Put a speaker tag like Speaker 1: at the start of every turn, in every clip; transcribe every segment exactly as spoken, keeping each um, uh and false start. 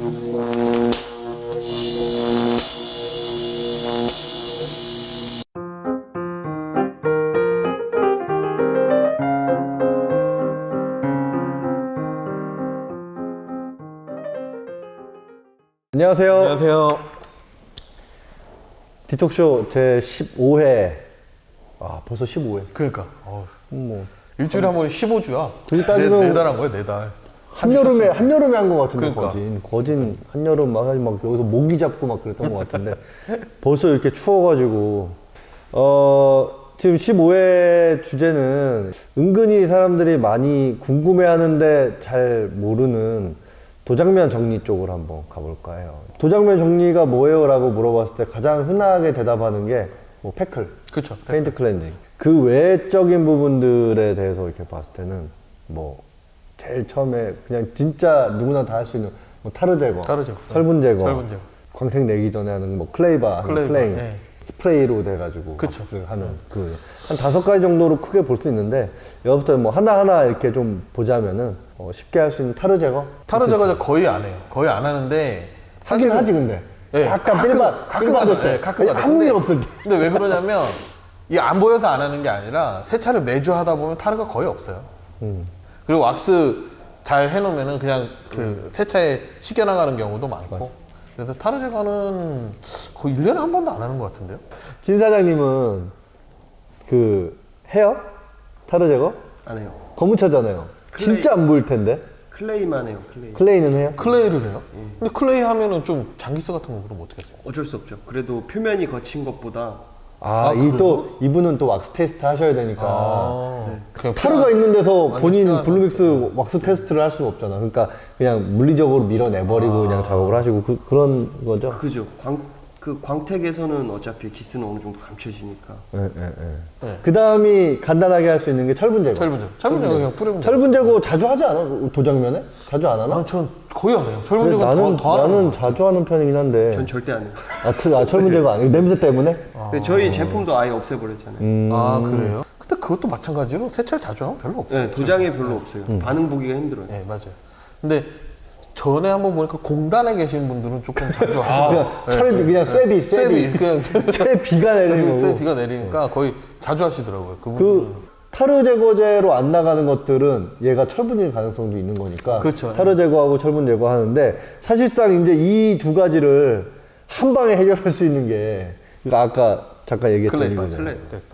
Speaker 1: 안녕하세요.
Speaker 2: 안녕하세요.
Speaker 1: 디톡쇼 제십오 회. 아, 벌써 십오 회.
Speaker 2: 그러니까 어,
Speaker 1: 뭐
Speaker 2: 일주일에 한 번 십오 주야.
Speaker 1: 그게 따지면
Speaker 2: 네, 네 달 한 거야, 네 달.
Speaker 1: 한여름에 한여름에 한 것 같은데.
Speaker 2: 그러니까.
Speaker 1: 거진 거진 한여름 막, 막 여기서 모기 잡고 막 그랬던 것 같은데 벌써 이렇게 추워가지고 어 지금 십오 회 주제는 은근히 사람들이 많이 궁금해하는데 잘 모르는 도장면 정리 쪽으로 한번 가볼까 해요. 도장면 정리가 뭐예요? 라고 물어봤을 때 가장 흔하게 대답하는 게 뭐 패클,
Speaker 2: 그렇죠.
Speaker 1: 페인트 클렌징. 그 외적인 부분들에 대해서 이렇게 봤을 때는 뭐 제일 처음에 그냥 진짜 누구나 다 할 수 있는 뭐 타르 제거,
Speaker 2: 타르 제거,
Speaker 1: 철분 제거,
Speaker 2: 철분 제거.
Speaker 1: 광택 내기 전에 하는 뭐 클레이바,
Speaker 2: 클레이바,
Speaker 1: 플레잉,
Speaker 2: 예.
Speaker 1: 스프레이로 돼가지고
Speaker 2: 그쵸.
Speaker 1: 왁스 하는 그 한 다섯 가지 정도로 크게 볼 수 있는데 여기부터 뭐 하나하나 이렇게 좀 보자면은 어 쉽게 할 수 있는 타르 제거.
Speaker 2: 타르 제거 거의 안 해요. 거의 안 하는데
Speaker 1: 하긴
Speaker 2: 사실은-
Speaker 1: 하지 근데.
Speaker 2: 예,
Speaker 1: 약간
Speaker 2: 가끔-
Speaker 1: 삘받,
Speaker 2: 가끔
Speaker 1: 삘받을
Speaker 2: 하죠.
Speaker 1: 때.
Speaker 2: 예, 가끔 하죠.
Speaker 1: 아무 일
Speaker 2: 근데-
Speaker 1: 없을 때.
Speaker 2: 근데 왜 그러냐면 이게 안 보여서 안 하는 게 아니라 세차를 매주 하다 보면 타르가 거의 없어요.
Speaker 1: 음.
Speaker 2: 그리고 왁스 잘 해놓으면은 그냥 그 세차에 씻겨나가는 경우도 많고. 그래서 타르 제거는 거의 일 년에 한 번도 안 하는 것 같은데요?
Speaker 1: 진 사장님은 그 해요? 타르 제거?
Speaker 3: 안 해요.
Speaker 1: 검은 차잖아요.
Speaker 3: 클레이.
Speaker 1: 진짜 안 보일 텐데.
Speaker 3: 클레이만 해요. 클레이.
Speaker 1: 클레이는 해요?
Speaker 2: 클레이를 해요? 근데 클레이 하면은 좀 장기스 같은 거 그럼 어떻게 하세요?
Speaker 3: 어쩔 수 없죠. 그래도 표면이 거친 것보다
Speaker 1: 아,
Speaker 2: 아,
Speaker 1: 이 또 이분은 또 왁스 테스트 하셔야 되니까.
Speaker 2: 아, 그냥
Speaker 1: 타르가
Speaker 2: 피하-
Speaker 1: 있는 데서
Speaker 2: 완전
Speaker 1: 본인
Speaker 2: 피하나.
Speaker 1: 블루믹스 왁스 테스트를 할 수가 없잖아. 그러니까 그냥 물리적으로 밀어내버리고 그냥 작업을 하시고 그, 그런 거죠.
Speaker 3: 그죠. 광, 그 광택에서는 어차피 기스는 어느 정도 감춰지니까.
Speaker 1: 예, 예, 예.
Speaker 2: 네.
Speaker 1: 그 다음이 간단하게 할 수 있는 게 철분 제거.
Speaker 2: 철분 제거. 철분 제거 그냥 뿌리면 돼요.
Speaker 1: 철분 제거 자주 하지 않아? 도장면에? 자주 안 하나?
Speaker 2: 아, 전 거의 안 해요. 철분
Speaker 1: 그래,
Speaker 2: 제거
Speaker 1: 나는
Speaker 2: 더, 더 하는
Speaker 1: 나는
Speaker 2: 것 같아요.
Speaker 1: 자주 하는 편이긴 한데.
Speaker 3: 전 절대 안 해요.
Speaker 1: 아, 트, 아 철분 제거 아니고 냄새 때문에?
Speaker 3: 근데 저희 제품도 아예 없애버렸잖아요.
Speaker 1: 음.
Speaker 2: 아, 그래요? 근데 그것도 마찬가지로 세차를 자주 하면 별로 없어요.
Speaker 3: 네, 도장이 별로 없어요.
Speaker 1: 음.
Speaker 3: 반응 보기가 힘들어요.
Speaker 2: 네, 맞아요. 근데 전에 한번 보니까 공단에 계신 분들은 조금 자주 하시고
Speaker 1: 그냥 철 그냥 쇠비
Speaker 2: 네. 쇠비 그냥
Speaker 1: 쇠 비가 내리는 거고.
Speaker 2: 쇠 비가 내리니까 거의 자주 하시더라고요. 그분은
Speaker 1: 그 타르 제거제로 안 나가는 것들은 얘가 철분일 가능성도 있는 거니까
Speaker 2: 그렇죠.
Speaker 1: 타르 제거하고 철분 제거하는데 사실상 이제 이 두 가지를 한 방에 해결할 수 있는 게 그러니까 아까 잠깐 얘기했던
Speaker 2: 클레이바,
Speaker 1: 이거잖아요.
Speaker 2: 클레이바.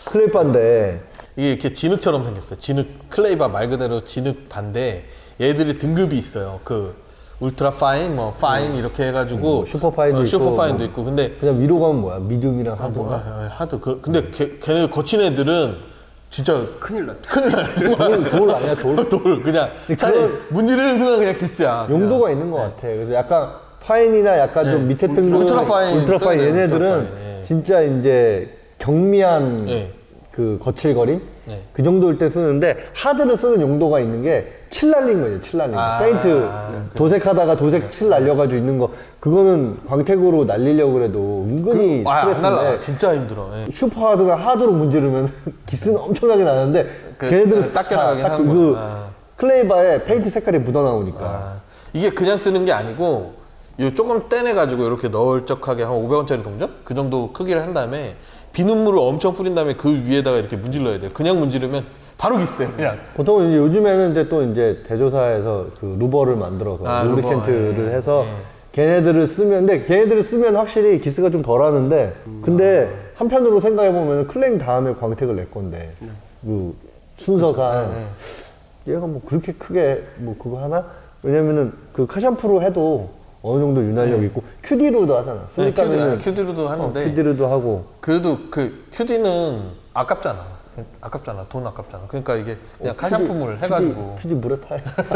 Speaker 1: 클레이바인데
Speaker 2: 이게 이렇게 진흙처럼 생겼어요. 진흙 클레이바 말 그대로 진흙 반데 얘들이 등급이 있어요. 그 울트라 파인, 뭐 파인 이렇게 해가지고
Speaker 1: 뭐 슈퍼 파인도
Speaker 2: 어,
Speaker 1: 있고
Speaker 2: 슈퍼 파인도
Speaker 1: 뭐.
Speaker 2: 있고 근데
Speaker 1: 그냥 위로 가면 뭐야? 미디움이랑
Speaker 2: 뭐,
Speaker 1: 하드가?
Speaker 2: 아, 아, 하드 그, 근데 걔, 걔네 거친 애들은 진짜
Speaker 3: 큰일 났다.
Speaker 2: 큰일 나요. 정말.
Speaker 1: 돌, 돌 아니야 돌?
Speaker 2: 돌 그냥 차라리
Speaker 1: 그건
Speaker 2: 문지르는 순간 그냥 기스야. 그냥.
Speaker 1: 용도가 있는 것 같아. 그래서 약간 파인이나 약간 좀
Speaker 2: 네.
Speaker 1: 밑에
Speaker 2: 울트라-
Speaker 1: 등급
Speaker 2: 울트라 파인
Speaker 1: 울트라 파인
Speaker 2: 써야 돼요,
Speaker 1: 얘네들은
Speaker 2: 울트라 파인. 예.
Speaker 1: 진짜 이제 경미한
Speaker 2: 네.
Speaker 1: 그 거칠거림
Speaker 2: 네.
Speaker 1: 그 정도일 때 쓰는데 하드를 쓰는 용도가 있는 게 칠 날린 거예요. 칠 날린 거.
Speaker 2: 아,
Speaker 1: 페인트
Speaker 2: 아,
Speaker 1: 도색하다가 도색 칠 날려가지고 있는 거 그거는 광택으로 날리려고 해도 은근히
Speaker 2: 그, 아, 안 날라.
Speaker 1: 스트레스인데
Speaker 2: 진짜 힘들어. 예.
Speaker 1: 슈퍼 하드가 하드로 문지르면 기스는 엄청나게 나는데
Speaker 2: 그,
Speaker 1: 걔네들은
Speaker 2: 딱 나가긴
Speaker 1: 딱
Speaker 2: 하는
Speaker 1: 그
Speaker 2: 거야. 아.
Speaker 1: 클레이바에 페인트 색깔이 묻어나오니까
Speaker 2: 아, 이게 그냥 쓰는 게 아니고 요 조금 떼내가지고 이렇게 널쩍하게 한 오백 원짜리 동전? 그 정도 크기를 한 다음에 비눗물을 엄청 뿌린 다음에 그 위에다가 이렇게 문질러야 돼요. 그냥 문지르면 바로 기스예요. 그냥.
Speaker 1: 보통 이제 요즘에는 이제 또 이제 제조사에서 그 루버를 만들어서
Speaker 2: 아,
Speaker 1: 루브리켄트를
Speaker 2: 루버, 예,
Speaker 1: 해서
Speaker 2: 예.
Speaker 1: 걔네들을 쓰면 근데 걔네들을 쓰면 확실히 기스가 좀 덜하는데 근데 한편으로 생각해 보면 클레잉 다음에 광택을 낼 건데 그 순서상
Speaker 2: 예,
Speaker 1: 얘가 뭐 그렇게 크게 뭐 그거 하나? 왜냐면은 그 카샴푸로 해도 어느 정도 유난력 있고 큐디로도 하잖아.
Speaker 2: 네, 큐디,
Speaker 1: 쓰니까는
Speaker 2: 아, 큐디로도 하는데
Speaker 1: 큐디로도 하고
Speaker 2: 그래도 그 큐디는 아깝잖아. 아깝잖아. 돈 아깝잖아. 그러니까 이게 그냥 카샴푸물 해가지고.
Speaker 1: 큐디 물에 타요.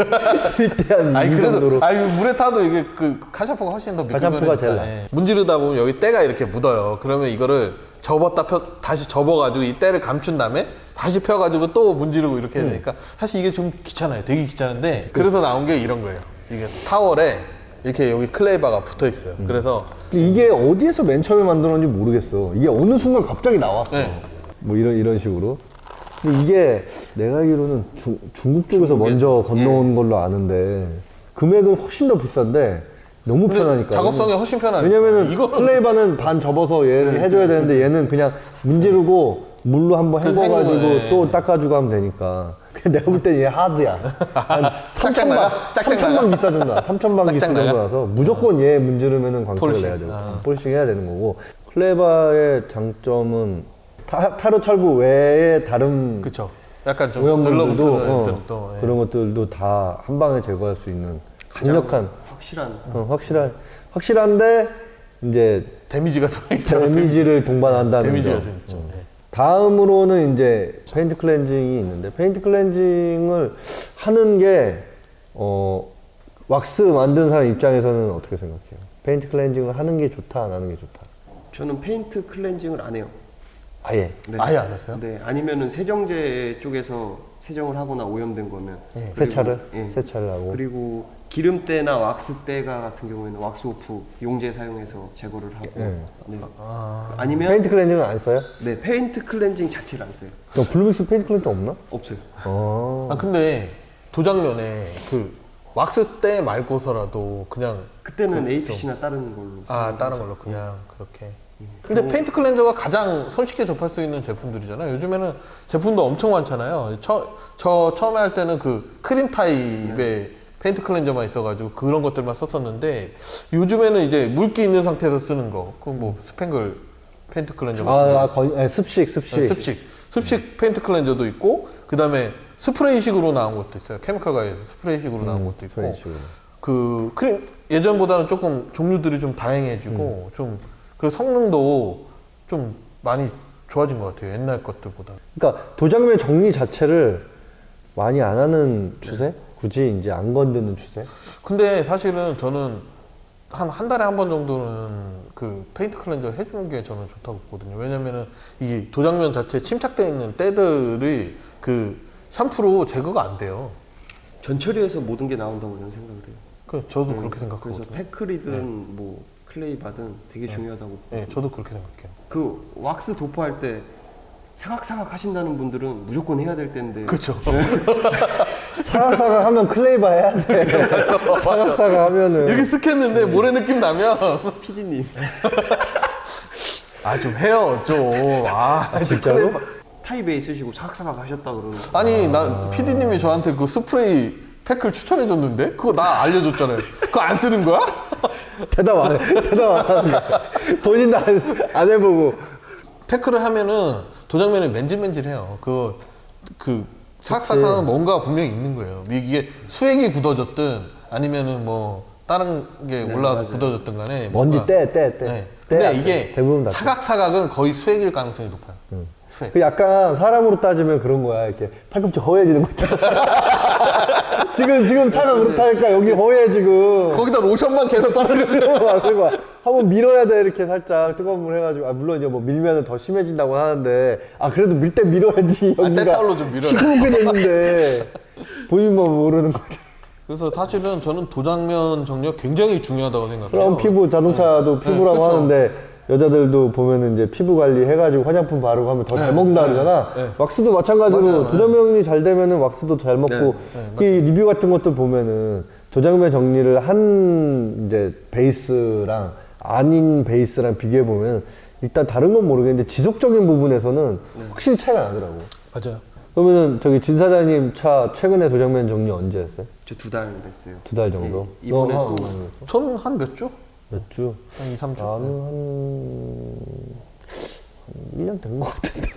Speaker 1: 일대한
Speaker 2: 아니
Speaker 1: 이
Speaker 2: 그래도
Speaker 1: 정도로.
Speaker 2: 아니 물에 타도 이게 그 카샴푸가 훨씬 더
Speaker 1: 카샴푸가
Speaker 2: 미끌거리니까.
Speaker 1: 제일 나아.
Speaker 2: 예. 문지르다 보면 여기 때가 이렇게 묻어요. 그러면 이거를 접었다 펴 다시 접어가지고 이 때를 감춘 다음에 다시 펴가지고 또 문지르고 이렇게 해야 되니까 사실 이게 좀 귀찮아요. 되게 귀찮은데 그래서 나온 게 이런 거예요. 이게 타월에 이렇게 여기 클레이바가 붙어 있어요. 그래서
Speaker 1: 이게 어디에서 맨 처음에 만들었는지 모르겠어. 이게 어느 순간 갑자기 나왔어.
Speaker 2: 네.
Speaker 1: 뭐 이런 이런 식으로. 근데 이게 내가 알기로는 중, 중국 쪽에서 먼저 건너온 걸로 아는데 금액은 훨씬 더 비싼데 너무
Speaker 2: 근데
Speaker 1: 편하니까.
Speaker 2: 작업성이 훨씬 편하니까.
Speaker 1: 왜냐면은
Speaker 2: 이거는
Speaker 1: 클레이바는 반 접어서 얘
Speaker 2: 네,
Speaker 1: 해줘야 되는데 얘는 그냥 문지르고 물로 한번
Speaker 2: 그래서
Speaker 1: 헹궈가지고
Speaker 2: 헹구고, 예.
Speaker 1: 또 닦아주고 하면 되니까. 그냥 내가 볼 때 얘 하드야. 한 삼천만,
Speaker 2: 나가? 짝짝
Speaker 1: 삼천만
Speaker 2: 나가?
Speaker 1: 비싸준다. 삼천만
Speaker 2: 짝짝
Speaker 1: 비싸
Speaker 2: 나가?
Speaker 1: 정도라서 무조건 얘 문지르면은 광택을
Speaker 2: 폴리싱.
Speaker 1: 내야 되고
Speaker 2: 아.
Speaker 1: 폴싱 해야 되는 거고. 클레이바의 장점은 타, 타르 철부 외에 다른
Speaker 2: 그쵸. 약간 좀
Speaker 1: 오염물들도
Speaker 2: 들러붙는
Speaker 1: 어,
Speaker 2: 애들도, 예.
Speaker 1: 그런 것들도 다 한 방에 제거할 수 있는 강력한
Speaker 3: 확실한
Speaker 1: 어, 확실한 확실한데 이제
Speaker 2: 데미지가 좀 있잖아요.
Speaker 1: 데미지를 동반한다는
Speaker 2: 데미지가
Speaker 1: 점.
Speaker 2: 좀 있죠. 예.
Speaker 1: 다음으로는 이제 페인트 클렌징이 있는데 페인트 클렌징을 하는 게 어, 왁스 만든 사람 입장에서는 어떻게 생각해요? 페인트 클렌징을 하는 게 좋다, 안 하는 게 좋다?
Speaker 3: 저는 페인트 클렌징을 안 해요.
Speaker 1: 아예.
Speaker 3: 네.
Speaker 2: 아예 안 하세요?
Speaker 3: 네, 아니면은 세정제 쪽에서 세정을 하거나 오염된 거면
Speaker 2: 예.
Speaker 3: 그리고-
Speaker 1: 세차를
Speaker 3: 예.
Speaker 1: 세차를 하고.
Speaker 3: 그리고 기름때나 왁스때가 같은 경우에는 왁스오프 용제 사용해서 제거를 하고
Speaker 1: 예.
Speaker 3: 네.
Speaker 2: 아,
Speaker 3: 아니면
Speaker 1: 페인트 클렌징은 안 써요?
Speaker 3: 네 페인트 클렌징 자체를 안 써요.
Speaker 1: 그럼 블루믹스 페인트 클렌징 없나?
Speaker 3: 없어요.
Speaker 1: 어.
Speaker 2: 아 근데 도장면에 그 왁스 때 말고서라도 그냥
Speaker 3: 그때는 에이피씨나 다른 걸로
Speaker 2: 아
Speaker 3: 사용을
Speaker 2: 다른
Speaker 3: 하죠.
Speaker 2: 걸로 그냥 그렇게.
Speaker 3: 예.
Speaker 2: 근데
Speaker 3: 그리고-
Speaker 2: 페인트 클렌저가 가장 손쉽게 접할 수 있는 제품들이잖아요. 요즘에는 제품도 엄청 많잖아요. 처, 저 처음에 할 때는 그 크림 타입의
Speaker 3: 네.
Speaker 2: 페인트 클렌저만 있어가지고 그런 것들만 썼었는데 요즘에는 이제 물기 있는 상태에서 쓰는 거, 그 뭐 스팽글 페인트 클렌저 같은 거,
Speaker 1: 아, 아 건, 아니, 습식, 습식.
Speaker 2: 네, 습식, 습식 페인트 클렌저도 있고, 그 다음에 스프레이식으로 나온 것도 있어요. 케미칼 가에서 스프레이식으로 나온
Speaker 1: 음,
Speaker 2: 것도 있고,
Speaker 1: 스프레이식으로.
Speaker 2: 그 크림 예전보다는 조금 종류들이 좀 다양해지고 좀 그 성능도 좀 많이 좋아진 것 같아요. 옛날 것들보다.
Speaker 1: 그러니까 도장면 정리 자체를 많이 안 하는 추세? 굳이 이제 안 건드는 추세?
Speaker 2: 근데 사실은 저는 한 한 달에 한 번 정도는 그 페인트 클렌저 해주는 게 저는 좋다고 보거든요. 왜냐면은 이 도장면 자체에 침착되어 있는 때들이 그 샴푸로 제거가 안 돼요.
Speaker 3: 전처리에서 모든 게 나온다고 저는 생각을 해요.
Speaker 2: 그 저도
Speaker 3: 네,
Speaker 2: 그렇게
Speaker 3: 그래서
Speaker 2: 생각하거든요.
Speaker 3: 패크리든 뭐 클레이바든 되게 중요하다고.
Speaker 2: 네,
Speaker 3: 보거든요.
Speaker 2: 저도 그렇게 생각해요.
Speaker 3: 그 왁스 도포할 때 사각사각 하신다는 분들은 무조건 해야 될 텐데.
Speaker 2: 그렇죠.
Speaker 1: 사각사각 하면 클레이바 해야 돼. 사각사각 하면은.
Speaker 2: 여기 쓱했는데 모래 느낌 나면
Speaker 3: 피디님
Speaker 2: 아 좀 해요 좀. 아, 좀
Speaker 1: 진짜로?
Speaker 2: 클레이바.
Speaker 3: 타입 A 쓰시고 사각사각 하셨다 그러는.
Speaker 2: 아니 나 피디님이 저한테 그 스프레이 팩을 추천해 줬는데 그거 나 알려줬잖아요. 그거 안 쓰는 거야?
Speaker 1: 대답 안 해. 대답 안 한다. 본인도 안, 안 해보고.
Speaker 2: 팩을 하면은 도장면이 맨질맨질해요. 그, 그, 사각사각은 뭔가 분명히 있는 거예요. 이게 수액이 굳어졌든 아니면은 뭐 다른 게
Speaker 3: 네,
Speaker 2: 올라와서
Speaker 3: 맞아요.
Speaker 2: 굳어졌든 간에
Speaker 1: 먼지
Speaker 2: 뭔가-
Speaker 1: 떼, 떼, 떼.
Speaker 2: 네.
Speaker 1: 떼
Speaker 2: 근데
Speaker 1: 안
Speaker 2: 이게
Speaker 1: 떼. 대부분 다 떼.
Speaker 2: 사각사각은 거의 수액일 가능성이 높아요.
Speaker 1: 응.
Speaker 2: 수액.
Speaker 1: 그 약간 사람으로 따지면 그런 거야. 이렇게 팔꿈치 허해지는 거 있잖아. 지금, 지금 차가 그렇다니까 여기 허해 지금.
Speaker 2: 거기다 로션만 계속 바르는
Speaker 1: 그리고 한번 밀어야 돼 이렇게 살짝 뜨거운 물 해가지고 아 물론 이제 뭐 밀면은 더 심해진다고 하는데 아 그래도 밀 때 밀어야지
Speaker 2: 아,
Speaker 1: 여기가
Speaker 2: 때타올로 좀 밀어라.
Speaker 1: 시커멓게 됐는데 본인만 모르는 거지.
Speaker 2: 그래서 사실은 저는 도장면 정리가 굉장히 중요하다고 생각해요.
Speaker 1: 그럼 피부 자동차도
Speaker 2: 네.
Speaker 1: 피부라고
Speaker 2: 네, 그쵸.
Speaker 1: 하는데 여자들도 보면은 이제 피부 관리 해가지고 화장품 바르고 하면 더 잘
Speaker 2: 네,
Speaker 1: 먹는다
Speaker 2: 네,
Speaker 1: 그러잖아.
Speaker 2: 네.
Speaker 1: 왁스도 마찬가지로
Speaker 2: 맞아요, 네.
Speaker 1: 도장면이 잘 되면은 왁스도 잘 먹고
Speaker 3: 네,
Speaker 1: 그 리뷰 같은 것도 보면은 도장면 정리를 한 이제 베이스랑 아닌 베이스랑 비교해 보면 일단 다른 건 모르겠는데 지속적인 부분에서는 확실히 차이가 나더라고.
Speaker 2: 맞아요.
Speaker 1: 그러면은 저기 진 사장님 차 최근에 도장면 정리 언제 했어요?
Speaker 3: 저 두 달 됐어요.
Speaker 1: 두 달 정도?
Speaker 3: 예, 이번에
Speaker 1: 너
Speaker 3: 또
Speaker 1: 한-
Speaker 2: 저는 한 몇 주?
Speaker 1: 몇 주?
Speaker 2: 한 이, 삼 주.
Speaker 1: 나는 한, 한 일 년 된 것 같은데.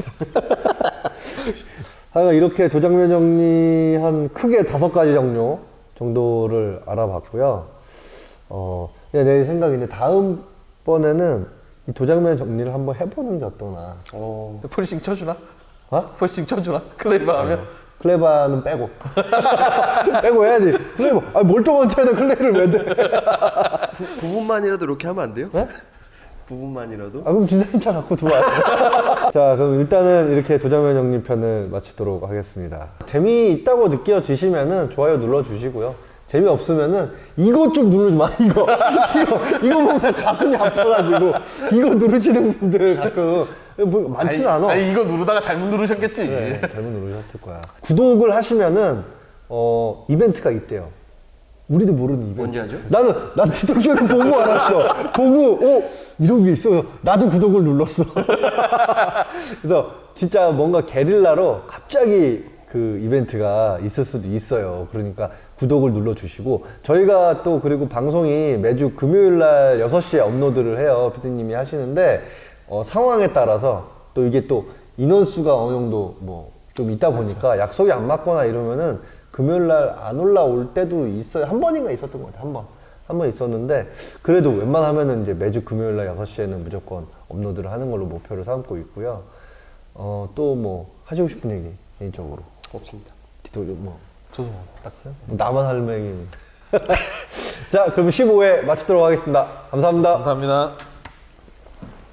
Speaker 1: 하여간 이렇게 도장면 정리 한 크게 다섯 가지 종류 정도를 알아봤고요. 어, 그냥 내 생각인데 다음번에는 이 도장면 정리를 한번 해보는 게 어떠나.
Speaker 3: 어,
Speaker 2: 폴리싱 쳐주나?
Speaker 1: 어?
Speaker 2: 폴리싱 쳐주나? 클레이바 하면?
Speaker 1: 클레바는 빼고. 빼고 해야지. 클레바. 아, 멀쩡한 차에다 클레를 왜 대?
Speaker 3: 부, 부분만이라도 이렇게 하면 안 돼요?
Speaker 1: 네?
Speaker 3: 부분만이라도?
Speaker 1: 아, 그럼 기사님 차 갖고 들어와요. 자, 그럼 일단은 이렇게 도장면 정리편을 마치도록 하겠습니다. 재미있다고 느껴지시면은 좋아요 눌러주시고요. 재미없으면은 이거 좀 누르지 마, 이거. 이거, 이거 보면 가슴이 아파가지고 이거 누르시는 분들 가끔 뭐 많지는
Speaker 2: 아니,
Speaker 1: 않아.
Speaker 2: 아니 이거 누르다가 잘못 누르셨겠지.
Speaker 1: 네, 잘못 누르셨을 거야. 구독을 하시면은 어, 이벤트가 있대요. 우리도 모르는 이벤트.
Speaker 3: 언제 하죠?
Speaker 1: 나는 난 틱톡쇼를 보고 알았어. 보고 어 이런 게 있어. 나도 구독을 눌렀어. 그래서 진짜 뭔가 게릴라로 갑자기 그 이벤트가 있을 수도 있어요. 그러니까 구독을 눌러주시고 저희가 또 그리고 방송이 매주 금요일 날 여섯 시에 업로드를 해요. 피디님이 하시는데 어, 상황에 따라서 또 이게 또 인원수가 어느 정도 뭐 좀 있다 보니까 약속이 안 맞거나 이러면은 금요일 날 안 올라올 때도 있어요. 한 번인가 있었던 것 같아요. 한 번. 한 번 있었는데 그래도 웬만하면은 이제 매주 금요일 날 여섯 시에는 무조건 업로드를 하는 걸로 목표를 삼고 있고요. 어, 또 뭐 하시고 싶은 얘기 개인적으로.
Speaker 3: 없습니다.
Speaker 1: 틱톡 뭐
Speaker 2: 저도 뭐 딱.
Speaker 1: 뭐 나만 할 얘기. 자, 그럼 십오 회 마치도록 하겠습니다. 감사합니다.
Speaker 2: 감사합니다.